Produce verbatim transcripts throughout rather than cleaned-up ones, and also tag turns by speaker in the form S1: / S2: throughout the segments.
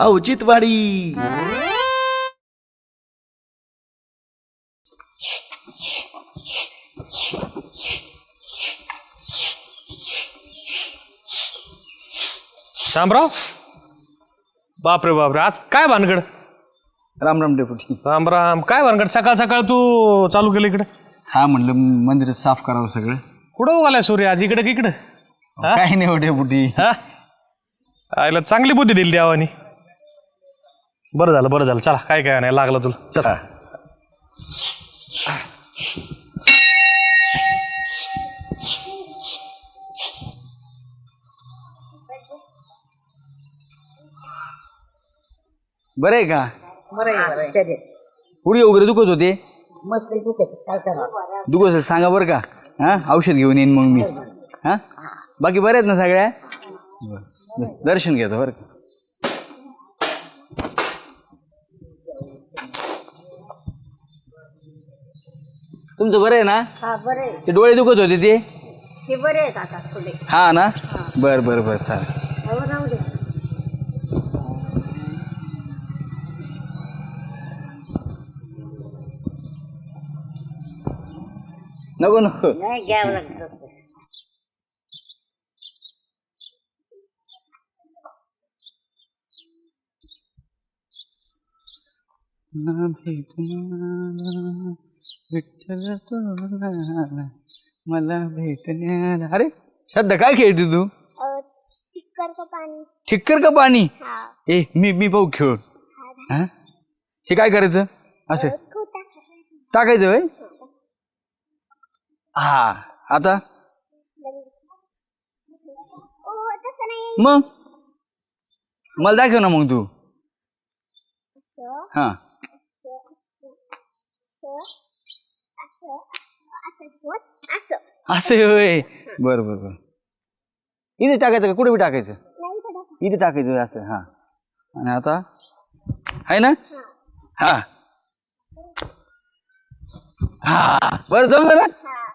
S1: औचित्यवाडी.
S2: शामराव, बापरे बापरे, आज काय भानगड?
S3: राम राम डेपुटी.
S2: राम राम. काय भानगड सकाळ सकाळ तू चालू केलं इकडे?
S3: हा म्हणलं मंदिर साफ करावं सगळं.
S2: कुठं उगालाय सूर्य आज इकडे की इकडं?
S3: काही नाही हो डेपुटी.
S2: हा, आयला चांगली बुद्धी दिली देवानी. बरं झालं बरं झालं. चला, काय काय नाही लागलं तुला. चला.
S3: बरं आहे का? पुढे वगैरे दुखत होते? दुखत असेल सांगा बरं का. हा, औषध घेऊन येईन मग मी. हा, बाकी बरे आहेत ना सगळ्या? दर्शन घेतो बरं का. तुमचं बरं आहे ना? ते डोळे दुखत होते ते
S4: बरे आहेत आता थोडे.
S3: हा ना. बरं बरं बरं चालेल. नको नको
S4: नाही घ्यावं लागत.
S3: विठ्ठल तुला मला भेटण्याला. अरे श्रद्धा काय खेळते तू?
S5: ठिक्कर का पाणी.
S3: ठिक्कर का पाणी? ए मी मी पाहू खेळून. हा, हे काय करायचं? असं टाकायचं होय? हा, आता मग मला दाखव ना मग तू. हा, असं होय. बरं बरं बरं. इथे टाकायचं का? कुठे बी टाकायचं? इथे टाकायचं असं. हा, आणि आता आहे ना. हा हा, बरं जमलं ना.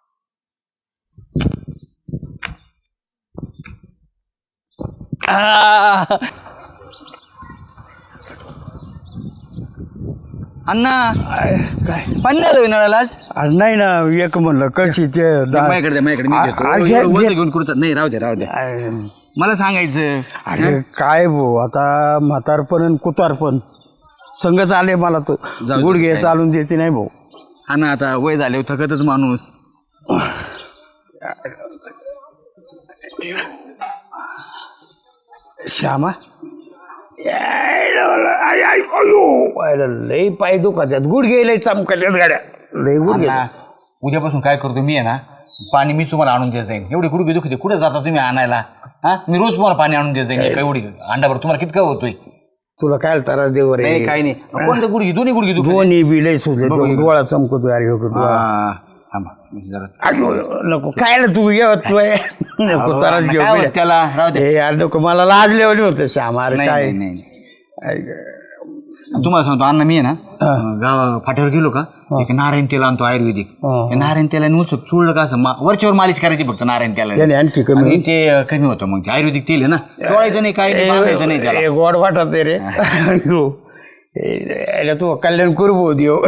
S3: अण्णा
S1: काय
S3: पाणी नाही आलं नळाला आज?
S1: आज नाही ना. एक म्हणलं कशी ते दा-
S3: माझ्याकडे माझ्याकडे मी
S1: आ-
S3: घेतो.
S1: आ- घे-
S3: वरती
S1: घे.
S3: घेऊन कुठं नाही. राहू दे राहू दे.
S1: अरे
S3: मला सांगायचं.
S1: अरे काय भाऊ, आता म्हातारपण आणि कुतारपण संगच आले मला तो.
S3: जाऊ दे,
S1: गुडघे
S3: काय.
S1: चालून देते नाही भाऊ.
S3: हा ना, आता वय झाले थकतच माणूस.
S1: श्यामा, लय पाय दुखाच्यात, गुडघे लय चमकाच्यात गाड्या, लय गुडघे.
S3: अण्णा, उद्यापासून काय करतो मी आहे ना, पाणी मी तुम्हाला आणून देत जाईन. एवढी गुडघे दुखते कुठे जाता तुम्ही आणायला? हा, मी रोज तुम्हाला पाणी आणून देत जाईन. एका एवढी अंडाभर तुम्हाला कितकं होतोय?
S1: तुला काय त्रास देव रे?
S3: नाही काही नाही. कोणतं गुडघे? दोन्ही गुडघे दुखते.
S1: दोन्ही बी लय सुचले. डोळा चमकतो अरे हो डोळा.
S3: हा, थांबा, जरा.
S1: अगो, नको काय रे तू येत नको त्रास घेऊ.
S3: काय होत त्याला? राहू दे.
S1: हे यार नको, मला लाजल्यावानी होतं श्यामा. अरे
S3: नाही,
S1: काय
S3: नाही, नाही. तुम्हाला सांगतो अण्णा, मी आहे ना गावा फाट्यावर गेलो का, एक नारायण तेल आणतो आयुर्वेदिक. त्या नारायण तेलाने उचक चुळलं का असं मा- वरच्यावर मालिश करायची फक्त नारायण तेलाने.
S1: त्याने आणखी कमी
S3: आणि ते कमी होतं. मग ते आयुर्वेदिक तेल आहे ना, तोडायचं नाही, काही नाही, बांधायचं नाही त्याला.
S1: ए, गोड वाटत आहे रे. अयो, ए, याला तू कल्याण करू भाऊ देव.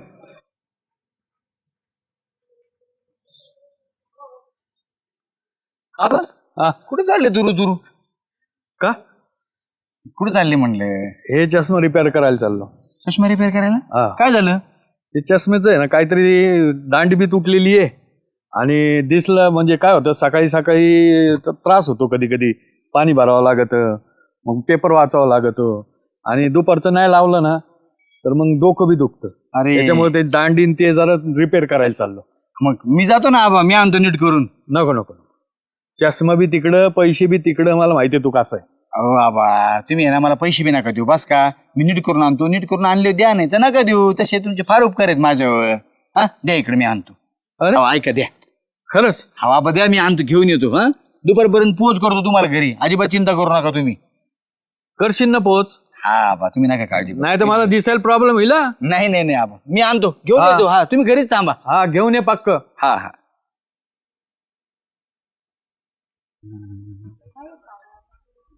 S3: आबा, कुठे चालले दुरू दुरू?
S1: का?
S3: कुठे चालले म्हणले?
S1: हे चष्मा रिपेअर करायला चाललो.
S3: चष्मा रिपेअर
S1: हा.
S3: करायला? काय झालं?
S1: ते चष्मेचं आहे ना, काहीतरी दांडी बी तुटलेली आहे. आणि दिसलं म्हणजे काय होतं, सकाळी सकाळी त- त्रास होतो कधी कधी. पाणी भरावं लागतं, मग पेपर वाचावं लागतं. आणि दुपारचं नाही लावलं ना तर मग डोकं बी दुखतं.
S3: अरे.
S1: त्याच्यामुळे ते दांडीन ते जरा रिपेअर करायला चाललो.
S3: मग मी जातो ना आबा, मी आणतो नीट करून.
S1: नको नको, चष्मा बी तिकडं, पैसे बी तिकडं. मला माहिती आहे तू कसं आहे.
S3: अहो बाबा, तुम्ही आहे ना, मला पैसे बी नका देऊ बस का. मी नीट करून आणतो. नीट करून आणले द्या, नाही तर नका देऊ. तसे तुमचे फार उपकार आहेत माझ्यावर. हा, द्या इकडे, मी आणतो.
S1: अरे.
S3: अहो, ऐका, द्या.
S1: खरंच?
S3: हा बाबा द्या, मी आणतो, घेऊन येतो. हा, दुपारपर्यंत पोच करतो तुम्हाला घरी. अजिबात चिंता करू नका तुम्ही.
S1: करशील ना पोच?
S3: हा बा, तुम्ही नका काळजी करू.
S1: नाही तर मला दिसायला प्रॉब्लेम होईल. हा?
S3: नाही नाही नाही आबा, मी आणतो, घेऊन
S1: हा.
S3: येतो. हा, तुम्ही घरीच थांबा.
S1: हा, घेऊन ये पक्क.
S3: हा हा.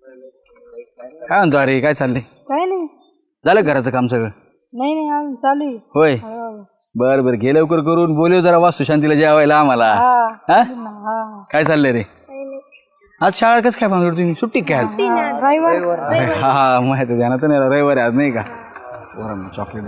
S3: काय म्हणतो अरे काय चाललंय?
S6: काय नाही
S3: झालं घराचं काम सगळं?
S6: नाही नाही अजून चालू आहे.
S3: होय
S6: हो.
S3: बर बर घे लवकर करून बोलव जरा वास्तू शांतीला जेवायला आम्हाला.
S6: हा
S3: हा?
S6: हा.
S3: काय चाललंय रे? आज शाळा कसं काय भांगड तुम्ही सुट्टी काय आज?
S6: रविवार
S3: अरे हा हा माहिती ध्यानात नाही आलं. रविवारी आज नाही का? बरं चॉकलेट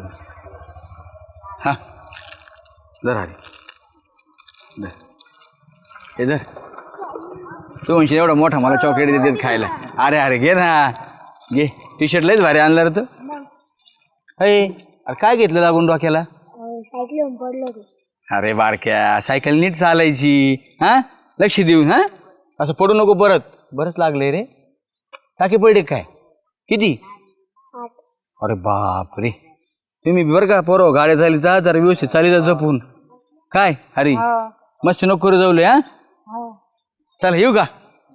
S3: हा जर अरे धर. हे जर तू म्हणशील एवढा मोठा मला चॉकलेट देतात खायला. अरे अरे घे ना घे. टी शर्ट लयच भारी आणलं रे तू. अरे अरे काय घेतलं लागून डोक्याला?
S5: सायकल येऊन पडलो होतो.
S3: अरे बारक्या सायकल नीट चालायची. हा लक्ष देऊन. हा असं पडू नको परत. बरंच लागलंय रे. टाकी पडले काय? किती?
S5: आठ.
S3: अरे बाप रे. तुम्ही बरं का पोरं गाड्या चाली जा जरा व्यवस्थित चाली जा जपून. काय अरे मस्त नको करू जाऊले. हा चल येऊ का?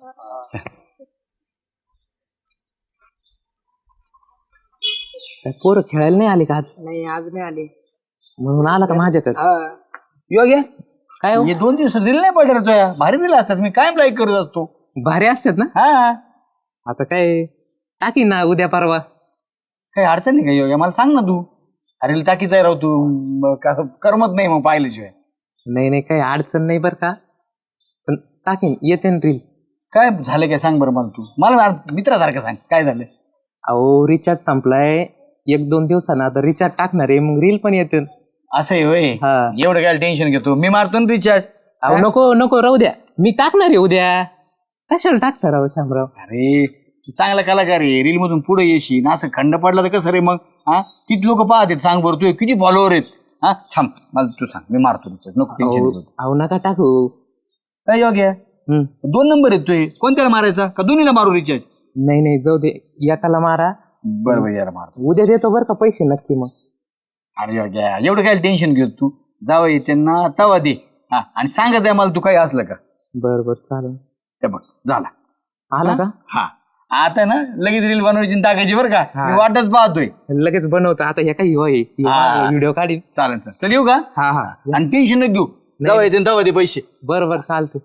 S7: पोरं खेळायला नाही आले का आज?
S6: नाही आज नाही आले.
S7: म्हणून आला का माझ्याकडे?
S3: योग्य
S7: काय हो?
S3: हे दोन दिवस दिले नाही पडले तुया. भारी दिला असतात. मी कायम लाईक करत असतो.
S7: भारी असतात ना.
S3: हा
S7: आता काय टाकी ना उद्या परवा.
S3: काही अडचण नाही का योग्य? मला सांग ना तू. अरे टाकीचा राहू तू. मग कसं करमत नाही मग पाहिल्याशिवाय.
S7: नाही नाही काही अडचण नाही बरं का. पण टाकीन येते ना रील.
S3: काय झालं काय सांग बरं मला तू. मला मित्रासारखं सांग काय झालं.
S7: अहो रिचार्ज संपलाय. एक दोन दिवसानं आता रिचार्ज टाकणार आहे मग रील पण येते.
S3: असं आहे होय.
S7: हा.
S3: एवढं काय टेन्शन घेतो. मी मारतो ना रिचार्ज.
S7: अहो नको नको राहू द्या. मी टाकणार आहे उद्या. कशाला टाकता राहू शामराव?
S3: अरे तू चांगला कलाकार आहे. रील मधून पुढे येशील. असं खंड पडला तर कसं रे मग. हा किती लोक पाहतात सांग बरं. तू किती फॉलोअर आहेत. हा थांब मला तू सांग. मी मारतो रिचार्ज. नको टेन्शन
S7: अहो
S3: घेतो.
S7: अहो, नका टाकू.
S3: काय योग्य
S7: हम्म.
S3: दोन नंबर आहेत तुझे. कोणत्याला मारायचा का दोन्हीला मारू रिचार्ज?
S7: नाही नाही जाऊ दे. एकाला मारा.
S3: बरं बरं यार मारतो.
S7: उद्या देतो बरं का पैसे नक्की मग.
S3: अरे योग्य एवढं काय टेन्शन घेतो तू. जावं त्यांना तवा दे. हा आणि सांगत आहे मला तू काही असलं का.
S7: बरं बरं चालेल.
S3: ते बघ झाला.
S7: आला का?
S3: हा आता ना लगेच रील बनवायची आणि टाकायची बरं का. मी वाटच पाहतोय.
S7: लगेच बनवतो आता. हे काही होय
S3: हा.
S7: व्हिडिओ काढीन.
S3: चालेल चालेल चल येऊ का.
S7: हा हा
S3: आणि टेन्शन नाही घेऊ. जावं येते तवा दे पैसे.
S7: बरं बरं चालते.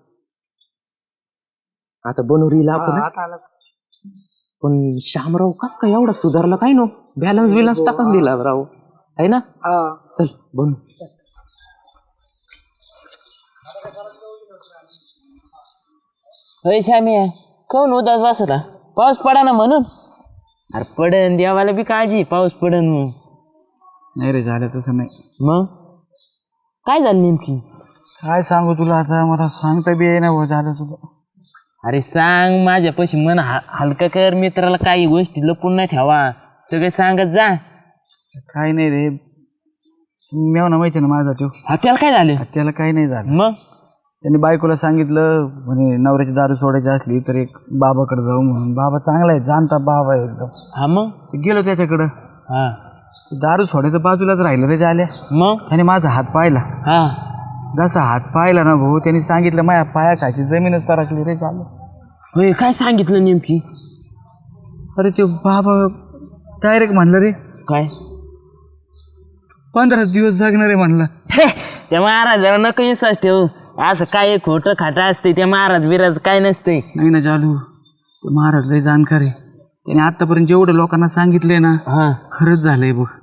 S7: आता बनवू रील आपण.
S6: आता आला.
S7: पण श्यामराव कस काय एवढा सुधारला काय नो. बॅलन्स बिलन्स टाकून दिला राव आहे ना.
S6: हा
S7: चल बनू.
S8: होय श्याम्या कोण उदास बसला. पाऊस पडा ना म्हणून. अरे पडन देवाला बी काळजी पाऊस पडन म्हणून.
S3: नाही रे झालं तसं नाही.
S8: मग काय झालं नेमकी?
S3: काय सांगू तुला आता. मला सांगता बी ना झालं तुझं.
S8: अरे सांग माझ्यापाशी मन हा हलका कर. मित्राला काही गोष्टी लपून नाही ठेवा. सगळे सांगत जा.
S3: काय नाही रे. मेवना माहिती ना माझा तो.
S8: हा त्याला काय झालं?
S3: त्याला काही नाही झालं.
S8: मग
S3: त्यांनी बायकोला सांगितलं म्हणे नवऱ्याची दारू सोडायची असली तर एक बाबाकडे जाऊ म्हणून. बाबा चांगला आहे जाणता बाबा आहे एकदम.
S8: हा मग
S3: गेलो त्याच्याकडं.
S8: हा
S3: दारू सोडायचं बाजूलाच राहिलं रे झाल्या.
S8: मग
S3: त्याने माझा हात पाहिला.
S8: हा
S3: जसा हात पाहिला ना भाऊ त्यांनी सांगितलं माझ्या पाया खायची जमीनच सरकली रे झालं.
S8: होय काय सांगितलं नेमकी?
S3: अरे ते बाबा डायरेक्ट म्हणलं रे
S8: काय?
S3: पंधरा दिवस जगणार आहे म्हणलं.
S8: त्या महाराजाला नको विश्वास ठेवू. असं काय खोटं खाटं असते. त्या महाराज बिराज काय नसते.
S3: नाही ना चालू. ते महाराज लय जाणकार आहे. त्याने आतापर्यंत जेवढं लोकांना सांगितलंय ना
S8: हा
S3: खरंच झालंय बघ.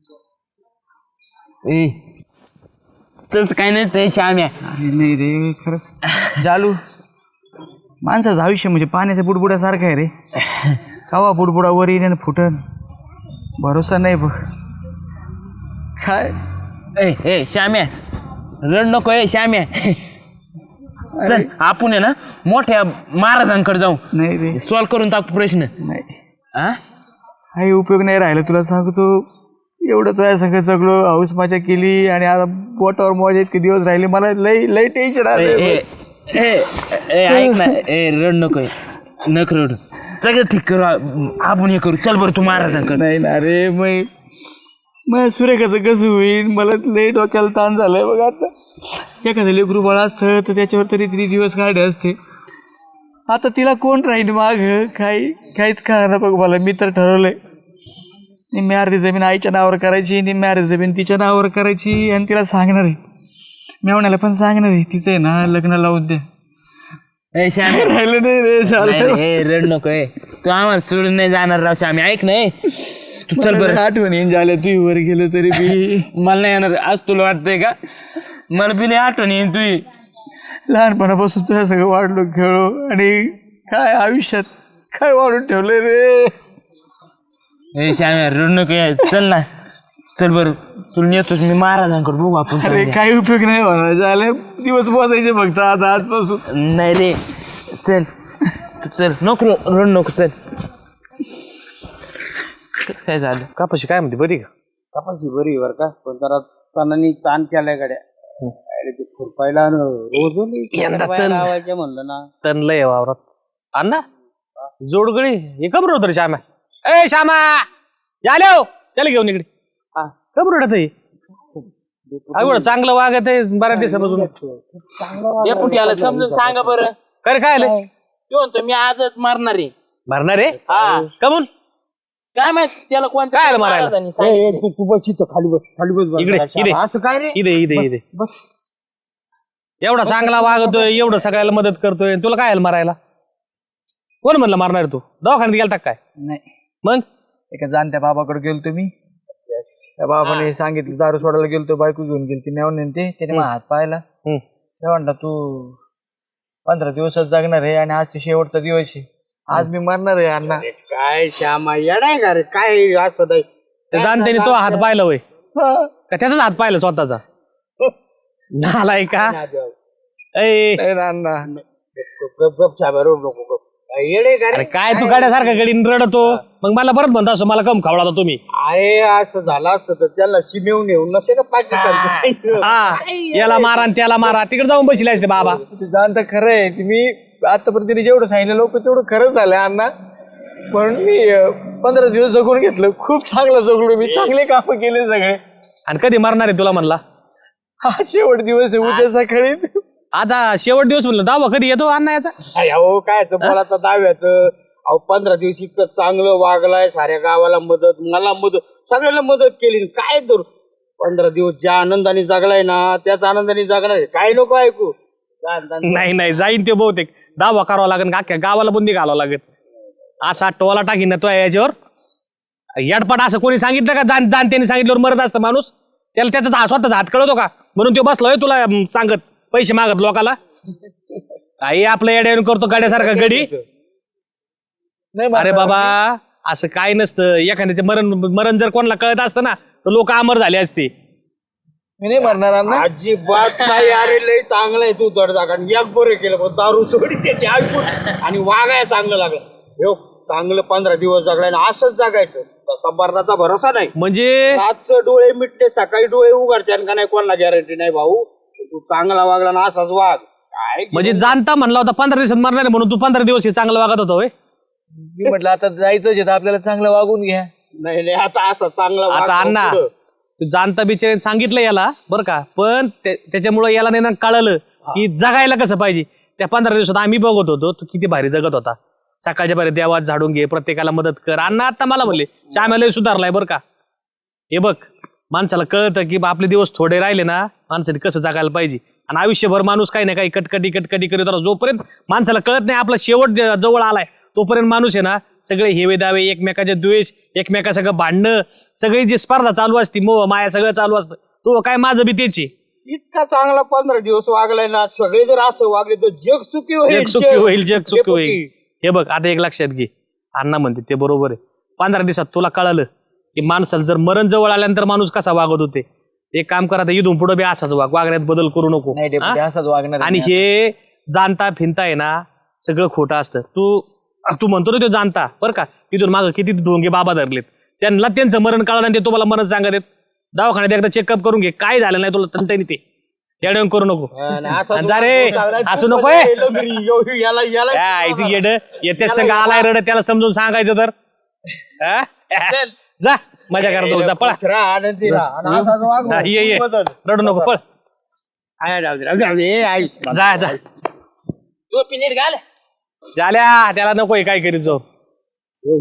S8: ए तसं काय नसतंय श्याम्या.
S3: अरे नाही रे खरंच जालू. माणसाचं आयुष्य म्हणजे पाण्याच्या बुडबुड्यासारखं आहे रे. कवा बुडबुडा वर येईन फुटन भरोसा नाही बघ. काय
S8: ए ए श्याम्या रड नको. ए श्याम्या चल आपण आहे ना मोठ्या महाराजांकडे जाऊ.
S3: नाही रे
S8: सॉल्व करून टाकू प्रश्न.
S3: नाही
S8: हा
S3: काही उपयोग नाही राहिला तुला सांगतो. एवढं तुझ्या सगळं सगळं हाऊस मजा केली आणि आता बोटावर मजा इतके दिवस राहिले. मला लई लई टेन्शन
S8: ए
S3: आलं.
S8: ए ए ए, ऐक ना. ए रड नको. नक रड. सगळं ठीक करू आपण. हे करू. चल बरं तू महाराजांकडे.
S3: नाही ना रे मग मग सुरेखाचं कसं होईल. मला लई डोक्याला ताण झालंय बघ आता. एखादं लेकरू बाळ असतं तर त्याच्यावर तरी तरी दिवस काढले असते. आता तिला कोण राहील माग काही काहीच कळणार बघ मला. मी तर ठरवलंय निम्मी अर्धी जमीन आईच्या नावावर करायची. निम्मी अर्धी जमीन तिच्या नावावर करायची आणि तिला सांगणार आहे. मेवण्याला पण सांगणार आहे तिचं आहे ना लग्न लावून दे.
S8: ए श्याम्या
S3: राहिलं नाही रे झालं
S8: नाही रे, ए, रड नको ए तू आम्हाला सोडून नाही जाणार राव श्यामी ऐक नाही तू चल बरं
S3: आठवण येईन झाल्या तू वर गेलं तरी बी
S8: मला नाही येणार आज तुला वाटतंय का मला बिले आठवण येईन तुझी
S3: लहानपणापासून तुझ्या सगळं वाढलो खेळलो आणि काय आयुष्यात काय वाढून ठेवलंय रे.
S8: ए श्याम्या रड नको ए, चल ना चल बरं तुला नेतोच मी महाराजांकडे बघू आपण
S3: अरे
S8: संध्या.
S3: काही उपयोग नाही होणार झाले दिवस पोचायचे फक्त आता आजपासून.
S8: नाही रे चल तू चल नको र- रड नको चल काय झालं
S2: कापाशी काय म्हणते बरी का
S3: कपाशी बरी बर का पण जरा तणानी ताण केलाय गाड्या अरे ते खुरपायला रोज
S2: यंदा तण
S3: लावायचे म्हणलं ना
S2: तण लय वावरात अण्णा जोडगळी हे कबर होत रे श्यामा ए श्यामा याले हो त्याला घेऊन इकडे कबर होत आवड चांगलं वागत आहे बऱ्याच दिवसापासून
S8: डेपुटीला समजून सांगा बरं
S2: काय रे, काय आलं
S8: तो म्हणतो मी आजच मारणार आहे
S2: भरणार रे
S8: हा
S2: कमून
S8: काय माहित त्याला कोणत्या
S2: काय आलं मारायला?
S8: महाराजांनी सांगितलं?
S3: तू बस इथं खाली बस खाली बस
S2: इकडे इकडे
S3: असं काय रे
S2: इथे इथे इथे
S3: बस
S2: एवढा चांगला वागतोय एवढं सगळ्याला मदत करतोय तुला काय आलं मारायला कोण म्हणलं मारणार तू दवाखान्यात गेलता काय
S3: नाही
S2: मग
S3: एका जाणत्या बाबाकडे गेलो तुम्ही त्या बाबाने सांगितलं दारू सोडायला गेलो बायको घेऊन गेली ती नेऊन ते त्याने मग हात पाहिला
S2: हम्म.
S3: ते म्हणला तू पंधरा दिवसच जगणार आहे आणि आज ते शेवटचा दिवस आहे आज मी मरणार आहे अण्णा.
S9: काय श्यामा येडाय का रे काय असं नाही
S2: ते जाणते तो हात पाहिला होय
S3: हा.
S2: का त्याचाच हात पाहिला स्वतःचा नालाय का ए
S3: नाही ना अण्णा
S9: गप गप श्यामा रोड नको गप काय येडे का
S2: अरे
S9: रे
S2: काय तू गाड्यासारखा गडीन रडतो मग मला परत म्हणता असं मला कम खावला होता तुम्ही
S9: आहे असं झालं असतं तर त्याला शिमेवून येऊन नसे का पाकिस्तान
S2: हा याला मारा आणि त्याला मारा तिकडे जाऊन बसले ते बाबा
S3: तू जाणतं खरं आहे ती मी आतापर्यंत जेवढं सांगितलं लोक तेवढं खरंच झालं अण्णा म्हणून मी अं, पंधरा दिवस जगून घेतलं खूप चांगलं जगलो मी चांगले कामं केले सगळे
S2: आणि कधी मारणार आहे तुला म्हणला
S3: हा शेवट दिवस आहे उद्या सकाळी
S2: आता शेवट दिवस म्हणलं दावा कधी येतो अण्णा याचा
S9: अहो काय बोलाचं दाव्याच अहो पंधरा दिवस इतकं चांगलं वागलाय साऱ्या गावाला मदत मला मदत सगळ्याला मदत केली काय तर पंधरा दिवस ज्या आनंदाने जगलाय ना त्याच आनंदाने जगणार आहे. काय नको ऐकू
S2: नाही नाही जाईन ते बहुतेक दावा करावा लागेल अख्ख्या गावाला बुंदी घालावं लागेल असा टोला टाकीन ना तो याच्यावर याडपाट असं कोणी सांगितलं का जाण जाणत्याने सांगितल्यावर मरत असतं माणूस त्याला त्याचा हात स्वतःचा हात कळतो का म्हणून तो बसलोय तुला अं, सांगत पैसे मागत लोकाला आई आपलं येड्यावरून करतो गाड्यासारखा गडी अरे बाबा असं काय नसतं एखाद्याचे मरण मरण जर कोणाला कळत असतं ना तर लोक अमर झाले असते
S3: मी नाही मरणार अण्णा
S9: अजिबात नाही अरे लय चांगलं आहे तू जड जागा एक बरं केलं पण दारू सोडी त्याची ऐकून आणि वागाय चांगलं लागलं हो चांगलं पंधरा दिवस जगलाय ना असंच जगायचं तसा मरणाचा भरोसा नाही
S2: म्हणजे
S9: रातचं डोळे मिटले सकाळी डोळे उघडते का नाही कोणाला गॅरंटी नाही भाऊ तू चांगला वागला ना असाच वाग काय
S2: म्हणजे जाणता म्हणला होता पंधरा दिवसात मरणार आहे म्हणून तू पंधरा दिवस हे चांगलं वागत होता होय
S3: मी म्हटलं आता जायचंच आहे तर आपल्याला चांगलं वागून घ्या
S9: नाही नाही आता असं चांगला वाग
S2: आता
S9: भाऊ
S2: अण्णा
S9: पुढं.
S2: तू जाणता बिचारे सांगितलं याला बरं का पण ते- त्याच्यामुळे याला नाही ना कळलं की जगायला कसं पाहिजे त्या पंधरा दिवसात आम्ही बघत होतो तू किती भारी जगत होता सकाळच्या भारी देवात झाडून घे प्रत्येकाला मदत कर अण्णा आता मला म्हणले श्यामाला सुधारलाय बरं का हे बघ माणसाला कळतं की बा आपले दिवस थोडे राहिले ना माणसाने कसं जगायला पाहिजे आणि आयुष्यभर माणूस काही ना काही कटकटी कटकटी करत राहतो जोपर्यंत माणसाला कळत नाही आपला शेवट ज- जवळ आलाय तोपर्यंत माणूस आहे ना सगळे हेवे दावे एकमेकाचे द्वेष एकमेका सगळं भांडणं सगळी जी स्पर्धा चालू असती मोह माया सगळं चालू असतं तो काय माझं बी त्याची
S9: इतका चांगला पंधरा दिवस वागलाय ना सगळे जर असं वागले तर जग सुखी होईल
S2: जग सुखी होईल जग सुखी
S9: डेपुटी.
S2: होईल हे बघ आता एक लक्षात घे अण्णा म्हणते ते बरोबर आहे पंधरा दिवसात तुला कळालं की माणसाला जर मरण जवळ आल्यानंतर माणूस कसा वागत होते एक काम करा आता इथून पुढे बी असाच वाग वागण्यात बदल करू नको
S3: नाही डेपुटी
S2: हा?
S3: असंच वागणार आहे
S2: आणि
S3: मी.
S2: हे जाणता फिनता आहे ना सगळं खोटं असतं तू तू म्हणतो ना तो जाणता बरं का तिथून मागं किती ढोंगे बाबा धरलेत त्यांना त्यांचं मरण कळलं ते तुम्हाला मरण सांगत आहेत दवाखान्यात एकदा चेकअप करून घे काय झालं नाही तुला तंटाने ते येड्यावरून करू नको
S9: आणि असाच
S2: आणि जा रे
S9: वाग चांगला.
S2: असू
S9: तू
S2: नको
S9: पण गेलो घरी. यो- याला याला
S2: यायची येड येते संघ आलाय रड त्याला समजून सांगायचं तर हा? जा मजा करतो जा पळा
S9: दुसरा आनंदी राहा. आणि असाच वाग
S2: हा, ये ये
S9: बदल.
S2: रडू नको पळ
S9: आहे, राहू दे, राहू दे, राहू दे. ए, आई.
S2: जा जा
S8: तू पिनीट घाल
S2: झाल्या त्याला नकोय काय करीत जाऊ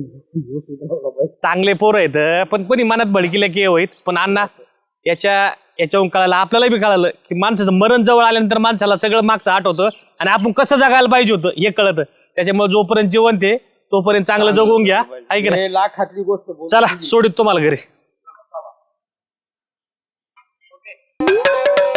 S2: चांगले पोरं आहेत पण कोणी मनात भडकिले की होईत पण अण्णा याच्या याच्याहून कळालं आपल्याला बी कळालं की माणसाचं मरण जवळ आल्यानंतर माणसाला सगळं मागचं आठवतं आणि आपण कसं जगायला पाहिजे होतं हे कळतं. त्याच्यामुळे जोपर्यंत जिवंत आहे तोपर्यंत चांगलं जगून घ्या, आहे की नाही?
S9: हे लाखातली गोष्ट बोल.
S2: चला सोडित तुम्हाला घरी.